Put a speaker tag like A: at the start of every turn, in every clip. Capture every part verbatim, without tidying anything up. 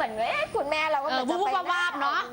A: เหมือนเอ๊ะคุณแม่เราก็เหมือนจะ
B: วูบวาบเนาะ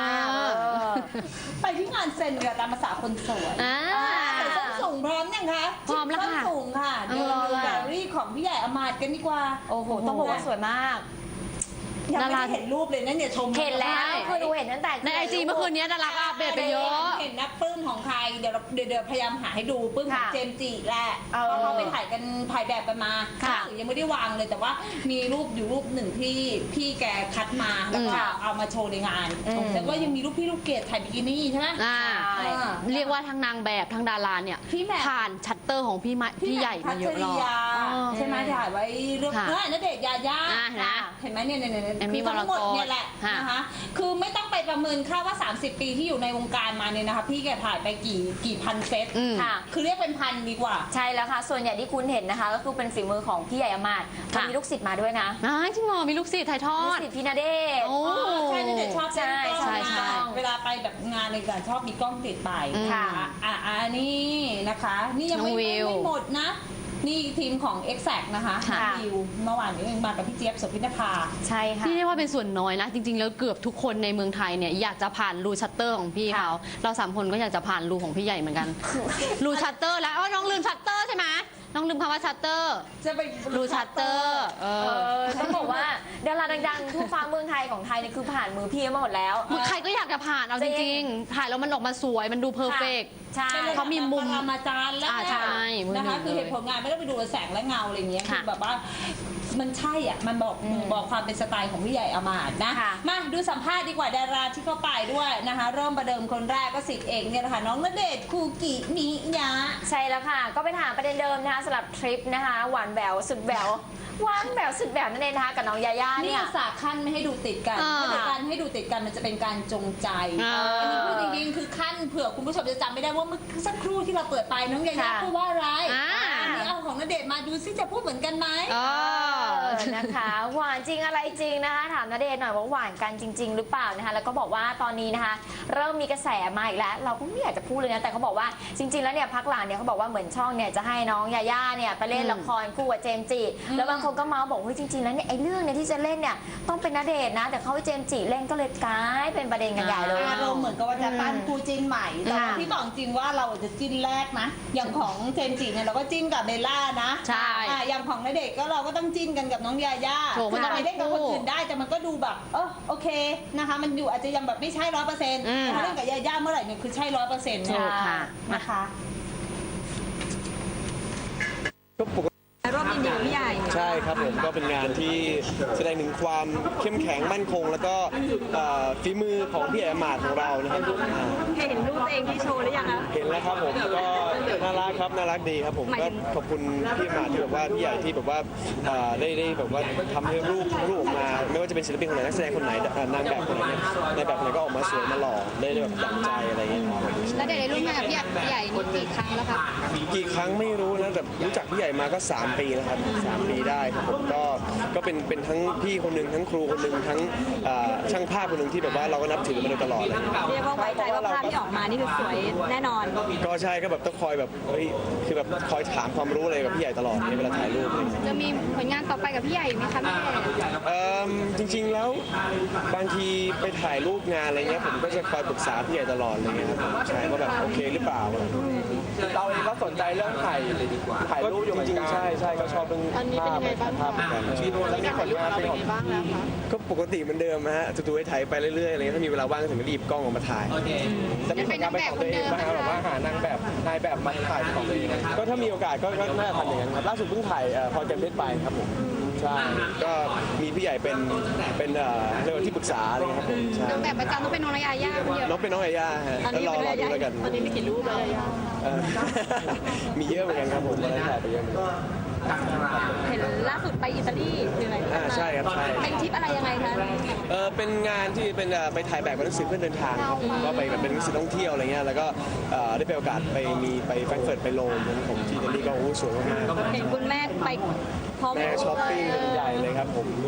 C: ไปที่งานเซ็นกับตามภาษาคนสวยใส่ส้นสูงพร้อมยังคะ
B: พร้อมแล้วค่ะ
C: ส้นสูงค่ะเดินดูแกลเลอรี่ของพี่ใหญ่อมาตย์กันดีกว่า
A: โอ้โหต้องบอกว่าสวยมาก
C: ยังไม่ได้เห็นรูปเลยนะเนี่ยชม
A: เห็นแล้วคือดูเห็นตั้งแต่
B: ในไอจีเมื่อคืนนี้ดาราก็อัปเดตไปเยอะ
C: เห็นนักปลื้มของใครเดี๋ยวเดี๋ยวพยายามหาให้ดูปลื้มของเจมส์จิแหละเพราะเขาไปถ่ายกันถ่ายแบบกันมายังไม่ได้วางเลยแต่ว่ามีรูปอยู่รูปหนึ่งที่พี่แกคัดมาแล้วก็เอามาโชว์ในงานแล้วก็ยังมีรูปพี่ลูกเกดถ่ายบิกินี่ใช่ไหม
B: เรียกว่าทั้งนางแบบทั้งดาราเนี่ยผ่านชัตเตอร์ของพี่พี่ใหญ่มาเยอะรอบ
C: ใช่ไหมถ่ายไว้เรื่องณเดชน์ยาย่าเห็นไหมเนี่ยเนี่ยคือทั้งหมดเนี่ยแหละนะคะคือไม่ต้องไปประเมินค่าว่าสามสิบปีที่อยู่ในวงการมาเนี่ยนะคะพี่แกถ่ายไปกี่กี่พันเซตค่ะคือเรียกเป็นพันดีกว่า
A: ใช่แล้วค่ะส่วนใหญ่ที่คุณเห็นนะคะก็คือเป็นฝีมือของพี่ใหญ่อมาตย์มีลูกศิษย์มาด้วยนะ
B: จริงเหรอมีลูกศิษย์ถ่ายทอด
A: ลูกศิษย์พี่ณเดชน์
C: ใช่ณเดชน์ชอบใช่ใช่ใช่เวลาไปแบบงานในการชอบมีกล้องติดไปค่ะอ่ะอันนี้นะคะนี่ยังไม่ไม่หมดนะนี่ทีมของ Exact นะคะวิวเมื่อวานนี้เองมากับพี่เจี๊ยบ โสภินภา
A: ใช่ค่ะ
B: ที่เรียกว่าเป็นส่วนน้อยนะจริงๆแล้วเกือบทุกคนในเมืองไทยเนี่ยอยากจะผ่านรูชัตเตอร์ของพี่เขาเราสามคนก็อยากจะผ่านรูของพี่ใหญ่เหมือนกันรูชัตเตอร์แล้วอ๋อน้องลืมชัตเตอร์ใช่ไหมน้องลืมคำว่าชัตเตอร์
C: จะไป
B: รูชัตเตอร์เออ
A: ต้องบอกว่าดาราดังๆทั่วฟ้าเมืองไทยของไทยเนี่ยคือผ่านมือพี่มาหมดแล้ว
B: ใครก็อยากจะผ่านเอาจริงๆถ่ายแล้วมันออกมาสวยมันดูเพอร์เฟกต์
A: ใช่
B: เขามีมุม
C: มาจานแล้วนะคะคือเหตุผลงานไม่ได้ไปดูแสงและเงาอะไรเงี้ยคือแบบว่ามันใช่อ่ะมันบอกบอกความเป็นสไตล์ของพี่ใหญ่อมาตย์นะมาดูสัมภาษณ์ดีกว่าดาราที่เข้าไปด้วยนะคะเริ่มประเดิมคนแรกก็สิทธิ์เอกเนี่ยแหละค่ะน้องณเดชน์คูกิมิยะ
A: ใช่แล้วค่ะก็ไปถามประเด็นเดิมนะคะสำหรับทริปนะคะหวานแหววสุดแหววหวานแหววสุดแหววนั่นเองนะคะกับน้องยาย่าเนี่ย
C: นี่สาขั้นไม่ให้ดูติดกันถ้าการให้ดูติดกันมันจะเป็นการจงใจอันนี้พูดจริงๆคือขั้นเผื่อคุณผู้ชมจะจำไม่ได้ว่าเมื่อสักครู่ที่เราเปิดไปน้องยาย่าพูดว่าอะไรอันนี้เอาของณเดชน์มาดูซิจะพูดเหมือนกันไหม
A: นะคะหวานจริงอะไรจริงนะคะถามณเดชน์หน่อยว่าหวานกันจริงๆหรือเปล่านะคะแล้วก็บอกว่าตอนนี้นะคะเริ่มมีกระแสมาอีกแล้วเราก็ไม่อยากจะพูดเลยนะแต่เขาบอกว่าจริงๆแล้วเนี่ยพักหลังเนี่ยเขาบอกว่าเหมือนช่องเนี่ยจะให้น้องยาย่าเนี่ยไปเล่นละครคู่กับเจมส์จิแล้วบางคนก็เมาส์บอกว่าจริงๆแล้วเนี่ยไอ้เรื่องเนี่ยที่จะเล่นเนี่ยต้องเป็นณเดชน์นะแต่เขาให้เจมส์จิเล่นก็เลยกลายเป็นประเด็นกันใหญ่เลย
C: อารมณ์เหมือนกับว่าจะปั้นคู่จิ้นใหม่แต่พี่บอกจริงว่าเราจะจิ้นแรกนะอย่างของเจมส์จิเนี่ยเราก็จิ้นกับเบลล่านะ
B: ใช่
C: อย่างของณเดชน์ก็เราก็ต้องจิ้นกันกับน้องยาย่ามันจะไปเล่นกับคนอื่นได้แต่มันก็ดูแบบเออโอเคนะคะมันอยู่อาจจะยังแบบไม่ใช่ร้อยเปอร์เซ็นต์ถ้าเล่นกับยาย่าเมื่อไหร่เนี่ยคือใช่ร้อยเปอร์เซ็นต์นะคะ
D: รอบยินดีพี่ใหญ่
E: ใช่ครับผมก็เป็นงานที่แสดงถึงความเข้มแข็งมั่นคงแล้วก็ฝีมือของพี่ใหญ่อมาตย์ของเรานะครับ
D: เห็นรูปเองที่โชว์หรือยังคะ
E: เห็นแล้วครับผมก็น่ารักครับน่ารักดีครับผมก็ขอบคุณพี่อมาตย์ที่แบบว่าพี่ใหญ่ที่แบบว่าได้ได้แบบว่าทำให้รูปรูปออกมาไม่ว่าจะเป็นศิลปินคนไหนนักแสดงคนไหนนางแบบคนไหนในแบบไหนก็ออกมาสวยมาหล่อได้แบบดั่งใจอะไรอย่างเงี้ย
B: แล้วได้ร่วมงานกับพี่ใหญ่นี่กี่ครั้งแล้วครับ
E: กี่ครั้งไม่รู้นะแต่รู้จักพี่ใหญ่มาก็สามปีแล้วครับสามปีได้ครับผมก็ก็เป็นเป็นทั้งพี่คนหนึ่งทั้งครูคนหนึ่งทั้งช่างภาพคนหนึ่งที่แบบว่าเราก็นับถือมาโดยตลอดเลย
D: เรียกว่าไว้ใจว่าภาพที่ออกมานี่คือสวยแน่นอน
E: ก็ใช่ก็แบบต้องคอยแบบเฮ้ยคือแบบคอยถามความรู้อะไรกับพี่ใหญ่ตลอดในเวลาถ่ายรูปเลย
B: จะมีผลงานต่อไปกับพี่ใหญ่ไหมคะพี่
E: เอ่อจริงๆแล้วบางทีไปถ่ายรูปงานอะไรเงี้ยผมก็จะคอยปรึกษาพี่ใหญ่ตลอดอะไรเงี้ยครับใช่ว่าแบบโอเคหรือเปล่า
F: เราเองก็สนใจเรื่องถ่ายถ่ายรูปอยู่เหมือนกัน
E: ใช่ใช่ก็ชอบเรื่องภาพภาพเหมือนกัน
F: แล้วมีผลงานเป็นของบ้างแล้วคะ
E: ก็ปกติเหมือนเดิมฮะจู่ๆไปถ่ายไปเรื่อยๆอะไรเงี้ยถ้ามีเวลาว่างถึงก็รีบกล้องออกมาถ่าย
F: จะมีผลงานเป็นของตัวเองบ้างแบบว่าหานางแบบนายแบบมาถ่ายของตัวเอง
E: ก็ถ้ามีโอกาสก็น่าจะทำอย่างนั้นครับล่าสุดเพิ่งถ่ายพอเจมเพชรไปครับผมใช่ก็มีพี่ใหญ่เป็นเป็นเรื่องที่ปรึกษาอะไรครับผม
B: นางแบบประจำต้องเป็นน้องยาย่า
E: น้องเป็นน้องยาย่าฮะแล้วรอรอดูแล้วกัน
D: ตอนนี้มีกี่รูปแล้วยาย่า
E: มีเยอะเหมือนกันครับผมก็ได้ถ่ายไปเยอะ
D: เห็นล่าสุดไปอิตาลีคืออะไร
E: อ่าใช่ครับใช่
D: เป็นทริปอะไรยังไงคะ
E: เออเป็นงานที่เป็นไปถ่ายแบบหนังสือเพื่อเดินทางครับก็ไปแบบเป็นหนังสือท่องเที่ยวอะไรเงี้ยแล้วก็ได้ไปโอกาสไปมีไปแฟรงก์เฟิร์ตไปโรมผมที่อิตาลีก็โอ้สวยมาก
D: เห็นคุณแม่ไปพร้อม
E: แม่ช้อปปิ้งใหญ่เลยครับผม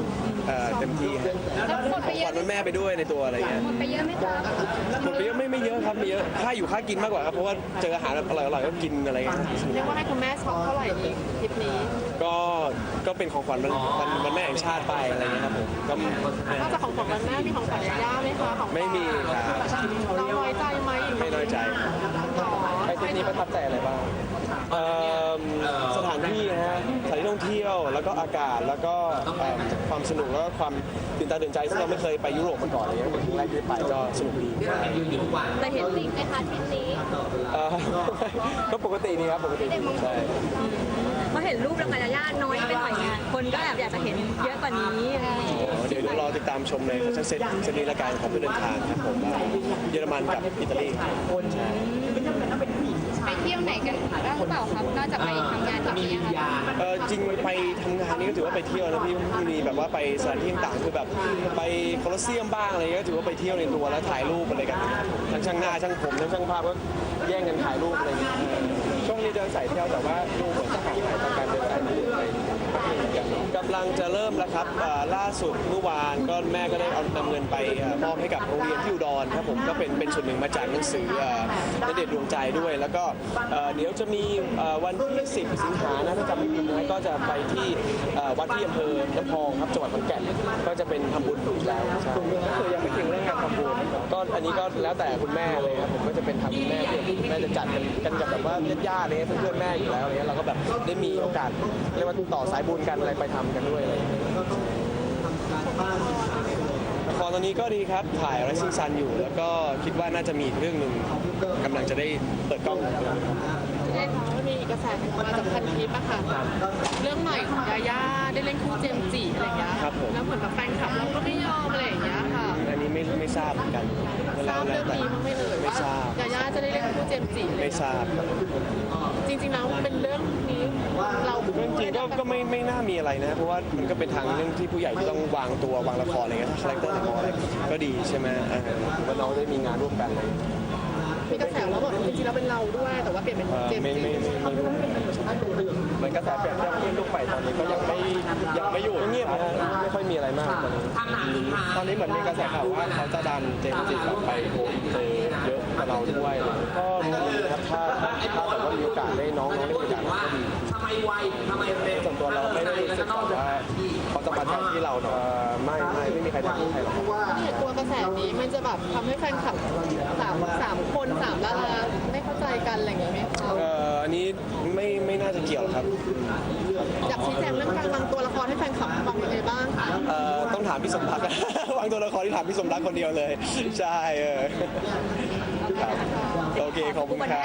E: อ่อเต็มที่ครับของขวัญวันแม่ไปด้วยในตัวอะไรเงี้ย
D: ไปเยอะไหมคะ
E: หมดไปเยอะไม่ไม่เยอะครับไม่เยอะค่าอยู่ค่ากินมากกว่าครับเพราะว่าเจออาหารอร่อยอร่อยก็กินอะไรเงี้ย
D: เรียกว่าให้คุณแม่ช็อปเท่าไหร่ดีทริปนี้
E: ก็ก็เป็นของขวัญวันวันวันแม่แห่งชาติไปอะไรเงี้ยครับผมก็
D: นอกจากของขวัญวันแม่มีของขวัญย่าไหมคะของ
E: ไม่มีครับ
D: เราน้อยใจไหม
E: ไม่น้อยใจ
F: ไปทริปนี้ประทับใจอะไรบ้าง
E: เอิ่มสถานที่นะฮะสถานที่ท่องเที่ยวแล้วก็อากาศแล้วก็เอิ่มความสนุกแล้วก็ความตื่นตาตื่นใจซึ่งเราไม่เคยไปยุโรปมาก่อนอะไรเงี้ยเป็นครั้งแรกที่ไปก็สนุกดี
D: แต่เห็นจริงไหมคะทริปนี้
E: เอ่อ ก็ปกติดีครับปกติดีใช่
D: มาเห็นรูปแล้วไงย่าน้อยไปหน่อยไงคนก็แอบอยากจะเห็นเยอะกว่านี้
E: อ๋อเดี๋ยวเดี๋ยวรอติดตามชมในแฟชั่นเซ็ตเซตนี้ละกันของเพื่อเดินทางครับผมว่าเยอรมันกับอิตาลีครับใช่
D: ไปเที่ยวไหนกันบ้างหรือเปล่าครับนอกจากไปทำงานแบบนี้ค่ะ
E: เออจริงไปทำงานนี่ก็ถือว่าไปเที่ยวนะพี่มีแบบว่าไปสถานที่ต่างๆคือแบบไปโคลอสเซียมบ้างอะไรก็ถือว่าไปเที่ยวในตัวแล้วถ่ายรูปอะไรกันทั้งช่างหน้าช่างผมทั้งช่างภาพก็แย่งกันถ่ายรูปอะไรอย่างเงี้ย
F: ช่วงนี้เดินสายเที่ยวแต่ว่าดูเหมือนจะห่างหายจากการเดินสายที่ไปกันเนาะ
E: กำลังจะเริ่มแล้วครับอ่าล่าสุดเมื่อวานก็แม่ก็ได้เอานำเงินไปอ่ามอบให้กับโรงเรียนที่อุดรครับผมก็เป็นเป็นส่วนหนึ่งมาจากหนังสืออ่าณเดชน์ดวงใจด้วย แล้วก็เอ่อเดี๋ยวจะมีเอ่อวันที่สิบสิงหานะถ้าจำไม่ผิดนะก็จะไปที่เอ่อวัดที่อำเภอน้ำพองครับจังหวัดขอนแก่นก็จะเป็นทำบุญอีกแล้วใช่
F: ก็คือยังไม่ทิ้งเรื่องการทำบุญ
E: ก็อันนี้ก็แล้วแต่คุณแม่เลยครับผมก็จะเป็นทางคุณแม่ที่คุณแม่จะจัดกันกันกับแบบว่าญาติๆอะไรเงี้ยเพื่อนๆแม่อยู่แล้วอะไรเงี้ยเราก็แบบได้มีโอกาสเรียกว่าต่อสายบุญกันอะไรไปทำกันด้วยอะไรอย่างเงี้ยละครตอนนี้ก็ดีครับถ่าย Rising Sun อยู่ แล้วก็คิดว่าน่าจะมีอีกเรื่องหนึ่งกำลังจะได้เปิดกล้อง
D: ได้ข่าวว่ามีกระแสออกมาจากพันทิปอะค่ะเรื่องใหม่ของยาย่าได้เล่นคู่เจมส์จีอะไรอย่างเงี้ย
E: ครับผม
D: แล้วเหมือนแบบแฟนคลับเราก็ไม่ยอมอะไรอย่างเงี้ยค่ะ
E: อันนี้ไม่ไม่ทราบเหมือนกัน
D: ทราบเรื่องนี้มั้างไหม่เลย
E: ไม่
D: ว่า
E: ทราบ
D: ยาย่าจะได้เล่นคู่เจมส์จีอะไร
E: ไม่ทราบครับ
D: จริงๆแล้วเป็นเรื่องนี้เรา
E: เรื่องจริงก็ก็ไม่ไม่น่ามีอะไรนะ เพราะว่ามันก็เป็นทางเรื่องที่ผู้ใหญ่ที่ต้องวางตัววางละครอะไรเงี้ยคาแรคเตอร์ละครอะไรก็ดีใช่ไหมเออถือว่าน้องได้มีงานร่วมกันเลย
D: มีกระแสว่าแบบจริงๆแล้วเป็นเราด้วยแต่ว่าเปลี่ยนเป็น
E: เออ
D: เจมส์
E: ไม่
D: จี
E: ไม่ไม่ไม่รู้
F: เหมือนกระแสเปรียบเทียบที่ลูกใหม่ตอนนี้ก็ยังไม่ยังไม่อยู่
E: เงียบนะฮะไม่ค่อยมีอะไรมากตอนนี้
F: ตอนนี้เหมือนมีกระแสข่าวว่าเขาจะดันเจมส์จิแบบไปโกอินเตอร์เยอะกว่าเราด้วย
E: ก็ดีนะครับถ้าถ้าแบบว่ามีโอกาสได้น้องน้องได้มีโอกาสก็ดี
F: ส่วนตัวเราไม่ได้รู้สึกแบบว่าเขาจะมาแทนที่เราเนาะ
E: เอ่อไม่ไม่ไม่มีใครทำให้ใครหรอก
D: เนี่ยกลัวกระแสนี้มันจะแบบทำให้แฟนคลับสามสามคนสามดาราไม่เข้าใจกันอะไรอย่างเงี้ยไหมคะ
E: เอ่ออันนี้ไม่ไม่น่าจะเกี่ยวครับ
D: อยากชี้แจงเรื่องการวางตัวละครให้แฟนคลับฟังยังไงบ้างคะ
E: เอ่อต้องถามพี่สมรัก วางตัวละครที่ถามพี่สมรักคนเดียวเลย ใช่เออครับโอเคขอบคุณครับ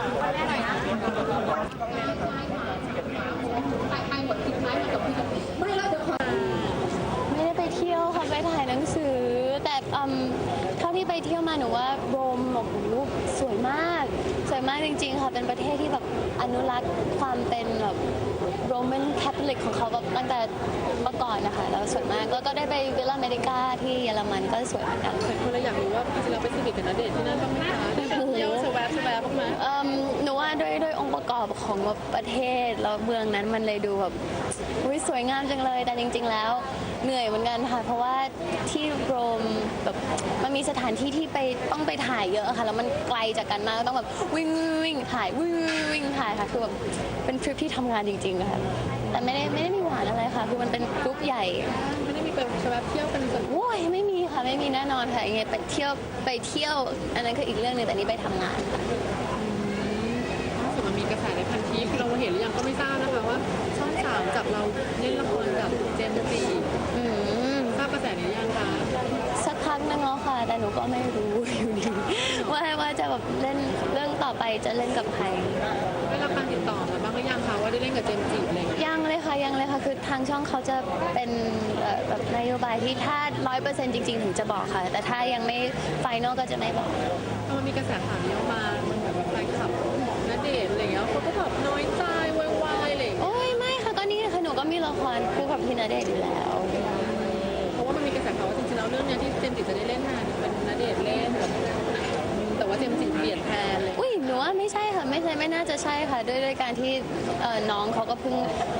A: ไม่ได้ไปเที่ยวค่ะไปถ่ายหนังสือ แต่อืมเท่าที่ไปเที่ยวมาหนูว่าโรมโอ้โหสวยมาก สวยมากจริงๆค่ะเป็นประเทศที่แบบอนุรักษ์ความเป็นแบบโรมันคาทอลิกของเขาแบบตั้งแต่เมื่อก่อนนะคะแล้วสวยมากแล้วก็ได้ไปวิลล่าอเมริกาที่เยอรมันก็สวยเหมือนกัน
D: คนเลยอยากรู้ว่าจริงๆแล้วไปสนิทกับณเดชน์ที่นั่นบ้างไหมคะได้ไปเที่ยวสแวบสแวบบ้างไหม
A: เอิ่มหนูว่าด้วยด้วยองค์ประกอบของแบบประเทศแล้วเมืองนั้นมันเลยดูแบบอุ๊ยสวยงามจังเลยแต่จริง ๆ แล้วเหนื่อยเหมือนกันค่ะเพราะว่าที่โรมแบบมันมีสถานที่ที่ไปต้องไปถ่ายเยอะค่ะแล้วมันไกลจากกันมากต้องแบบวิ่งวิ่งถ่ายวิ่งวิ่งถ่ายค่ะคือแบบเป็นทริปที่ทำงานจริงๆค่ะแต่ไม่ได้ไม่ได้มีหวานอะไรค่ะคือมันเป็นกรุ๊ปใหญ่
D: ไม่ได้มีไปสแวบเที่ยวเป็นส่วน
A: โว้ยไม่มีค่ะไม่มีแน่นอนค่ะยังไงไปเที่ยวไปเที่ยวอันนั้นคืออีกเรื่องหนึงแต่นี่ไปทำงานค่ะ
D: ส่วนมันมีกระแสในพันทิปเราเห็นหรือยังก็ไม่ทราบนะคะว่าช่องสามจับเราเล่นละครกับเจมส์จี
A: อืม
D: ทราบกระแสนี้ยังคะ
A: สักพักนึงแล้วค่ะ แต่หนูก็ไม่รู้อยู่ดีว่าว่าจะแบบเล่นเรื่องต่อไปจะเล่นกับใคร
D: ได้รับการติดต่อมาบ้างหรือยังคะว่าได้เล่นกับเจมส์จีอะไรอย่างเงี้ย
A: ยังเลยค่ะยังเลยค่ะคือทางช่องเขาจะเป็นเอ่อแบบนโยบายที่ถ้าร้อยเปอร์เซ็นต์จริงๆถึงจะบอกค่ะ แต่ถ้ายังไม่ไฟนอลก็จะไม่บอก
D: พอมันมีกระแสข่าวนี้ออกมามันเหมือนแบบแฟนคลับณเดชน์อะไรอย่างเงี้ยเขาก็แบบน้อยใจวายวายอะไรอย่างเงี้ย
A: โอ้ยไม่ค่ะก็นี่ค่ะหนูก็มีละครคู่กับพี่ณเดชน์อยู่แล้ว
D: เพราะว่ามันมีกระแสข่าวว่าจริงๆแล้วเรื่องเนี้ยที่เจมส์จีจะได้เล่นน่ะเป็นณเดชน์เล่นแบบแต่ว่าเจมส์จีเปลี่ยนแทนเลย
A: อุ้ยหนูว่าไม่ใช่ค่ะไม่ใช่ไม่น่าจะใช่ค่ะด้วยด้วยการที่เอ่อน้องเขาก็เพิ่งเพิ่งเอ่อ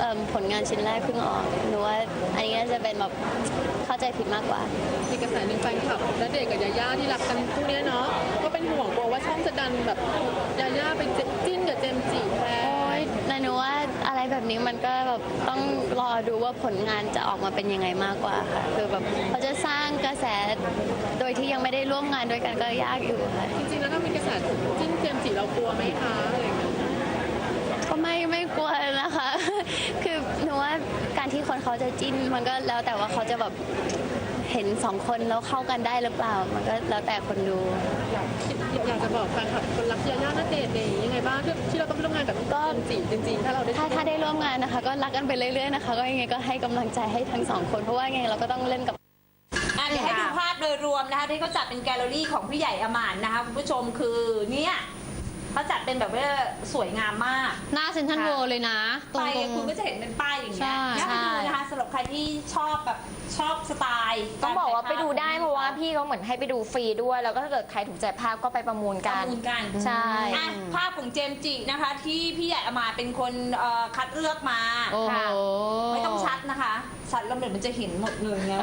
G: อิ่มผลงานชิ้นแรกเพิ่งออกหนูว่าอันนี้น่าจะเป็นแบบเข้าใจผิดมากกว่า
D: มีกระแสหนึ่งแฟนคลับณเดชน์กับยาย่าที่รักกันคู่เนี้ยเนาะก็เป็นห่วงกลัวว่าช่องจะดันแบบยาย่าไปจิ้นกับเจมส์จิแท
G: โอ๊
D: น
G: ยแต่หนูว่าอะไรแบบนี้มันก็แบบต้องรอดูว่าผลงานจะออกมาเป็นยังไงมากกว่าค่ะคือแบบเขาจะสร้างกระแสโดยที่ยังไม่ได้ร่วมงานด้วยกันก็ยากอยู่ค่ะ
D: จริงๆแล้วถ้ามีกระแสจิ้นเจมส์จิเรากลัวไหมคะอะไรอย่างเงี้ย
G: ก็ไม่ไม่กลัวนะคะ คือหนูว่าการที่คนเขาจะจิ้นมันก็แล้วแต่ว่าเขาจะแบบเห็นสองคนแล้วเข้ากันได้หรือเปล่า มันก็แล้วแต่คนดู
D: อยากจะบอกแฟนคลับคนรักยาย่าณเดชน์เนี่ยยังไงบ้างที่ที่เราต้องไปร่วมงานกับเจมส์จิจริงๆถ้าเราได้
G: ถ้าถ้าได้ร่วมงานนะคะ ก็รักกันไปเรื่อยๆนะคะ ก็ยังไงก็ให้กำลังใจให้ทั้งสองคนเพราะว่ายังไงเราก็ต้องเล่นกับ
C: อ่ะเดี๋ยวให้ดูภาพโดยรวมนะคะที่เขาจัดเป็นแกลเลอรี่ของพี่ใหญ่อมานนะคะคุณผู้ชมคือเนี่ยเขาจัดเป็นแบบว่าสวยงามมาก
B: หน้าเซ็นทรัลเวิลด์เลยนะ ตร
C: ไป
B: ง
C: คุณก็จะเห็นเป็นป้ายอย่างเงี้ย
B: ใช่
C: น่าไปดูนะคะสำหรับใครที่ชอบแบบชอบสไตล์
A: ต้องบอกว่าไปดูได้เพราะว่า
C: พี่
A: พี่เขาเหมือนให้ไปดูฟรีด้วย แล้วก็ถ้าเกิดใครถูกใจภาพก็ไปประมูล
C: ป
A: กั
C: ระ
A: น
C: มูลกัน
A: ใช่
C: อ่ะภาพของเจมส์จินะคะ ที่พี่ใหญ่อมานเป็นคนเอ่อคัดเลือกมา
B: โอ้โห
C: ค่ะไม่ต้องชัดนะคะชัดแล้วเดี๋ยวมันจะเห็นหมดเลยไง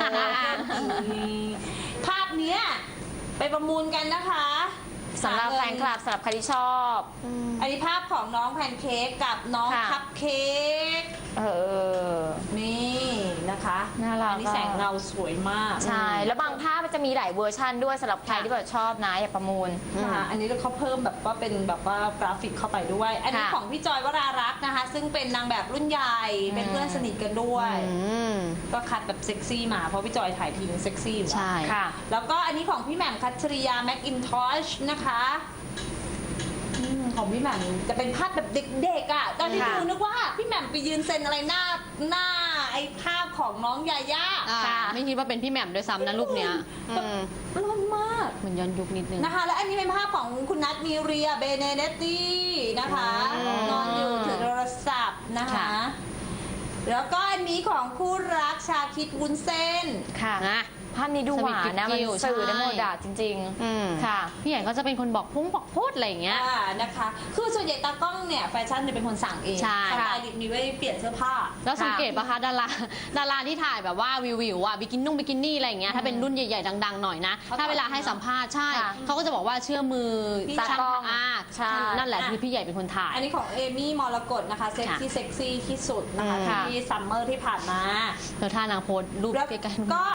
C: ภาพเนี้ยไปประมูลกันนะคะ
A: สำหรับแฟนคลับสำหรับใครที่ชอบ
C: อันนี้ภาพของน้องแพนเค้กกับน้อง
A: ค่ะ
C: คัพเค้ก
A: เออ
C: นี่นะคะ
A: น่ารัก
C: อันนี้แสงเงาสวยมาก
A: ใช่ แล้วบางภาพมันจะมีหลายเวอร์ชันด้วยสำหรับใครที่แบบชอบนะอยากประมูล
C: นะคะอันนี้เขาเพิ่มแบบว่าเป็นแบบว่ากราฟิกเข้าไปด้วย อันนี้
A: ค่ะ
C: ของพี่จอยวรารักษ์นะคะ ซึ่งเป็นนางแบบรุ่นใหญ่ เป็นเพื่อนสนิทกันด้วย
B: อืม
C: ก็คัดแบบเซ็กซี่มา เพราะพี่จอยถ่ายทีนึงเซ็กซี่อยู่แล้ว
B: ใช่
A: ค่ะ
C: แล้วก็อันนี้ของพี่แหม่มคัชริยาแม็กอินทอชนะคะอืมของพี่แหม่มจะเป็นภาพแบบเด็กๆอ่ะ ตอนที่
A: ค่ะ
C: ดูนึกว่าพี่แหม่มไปยืนเซ็นอะไรหน้าหน้าไอ้ภาพของน้องยาย่า
B: อ่า
A: ค่ะ
B: ไม่คิดว่าเป็นพี่แหม่มด้วยซ้ำนะรูปเนี้ยอืม
C: ร้อนมาก
B: เหมือนย้อนยุคนิดนึง
C: นะคะ และอันนี้เป็นภาพของคุณนัทมีเรียเบเนเดตตี้นะคะ
B: อืม
C: นอนอยู่ถือโทรศัพท์นะคะ
B: ค่ะ
C: แล้วก็อันนี้ของคู่รักชาคิดวุ้นเส้น
A: ค่ะ
B: นะ
A: ภาพนี้ดูหวานนะมัน
B: สวีทกิ๊ว
A: สื่อได้
B: ใช่
A: หมดอะจริง
B: อืม
A: ๆ ค่ะ
B: พี่ใหญ่ก็จะเป็นคนบอกพุ่งบอกพูดอะไรอย่างเงี้ย
C: อ่านะคะ คือส่วนใหญ่ตากล้องเนี่ยแฟชั่นจะเป็นคนสั่งเอง
B: ใช่
C: สไตลิสต์มีไว้เปลี่ยนเสื้อผ้า
B: แล้วสังเกตปะคะดาราดาราที่ถ่ายแบบว่าวิววิวอะบิกินนุ่งบิกินี่อะไรอย่างเงี้ยถ้าเป็นรุ่นใหญ่ๆดังๆหน่อยนะ
C: เขา
B: ถ้าเวลาให้สัมภาษณ์ใช่
A: ค่ะ
B: เขาก็จะบอกว่าเชื่อมือ
C: พี่
B: ตากล้อง
A: ช่าง
B: อ่า
A: ใช่
B: นั่นแหละที่พี่ใหญ่เป็นคนถ่าย
C: อันนี้ของเอมี่มรกตนะคะเซ็กซี่เซ็กซี่ที่สุดนะคะ
B: อืม
C: ที่ซัมเมอร์ที่ผ่านมา
B: แล้วท่านางโพสต์รูป
C: แล้ว
B: ใกล้ๆ
C: ก็